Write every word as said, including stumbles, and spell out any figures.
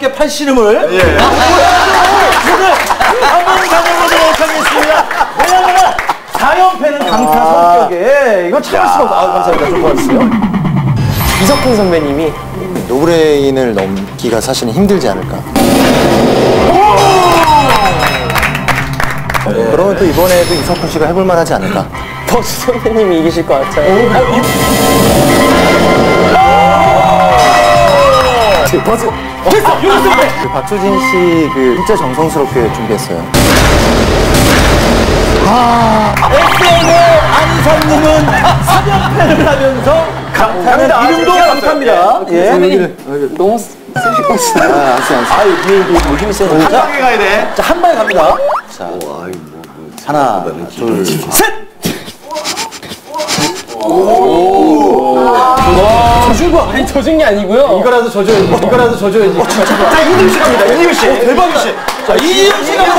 함께 팔씨름을 예. 오늘 한번 가져보도록 하겠습니다. 왜냐면 사 연패는 강타 아 성격에 이건 참을 수가 없어. 아, 감사합니다. 좀 도와주세요. 이석훈 선배님이 노브레인을 넘기가 사실은 힘들지 않을까. 네. 그러면 또 이번에도 이석훈 씨가 해볼만 하지 않을까. 버스 선배님이 이기실 것 같아요. 버스. 됐어! 그 박수진 씨 그 진짜 정성스럽게 준비했어요. 아, 에스엔의 안성님은 삼 연패를 하면서 강타는 이름도 강타입니다. 예. 너무 쓰실 것 같습니다. 아, 알았어, 알았어. 아유, 위에 이게 뭐 힘이 세서. 한 방에 가야 돼. 자, 한 방에 갑니다. 자, 하나, 둘, 셋! 져준 거 아니 져준 게 아니고요. 이거라도 져줘야지. 이거라도 져줘야지. 자, 이님씨 갑니다. 이님씨. 대박이시. 자, 이님씨가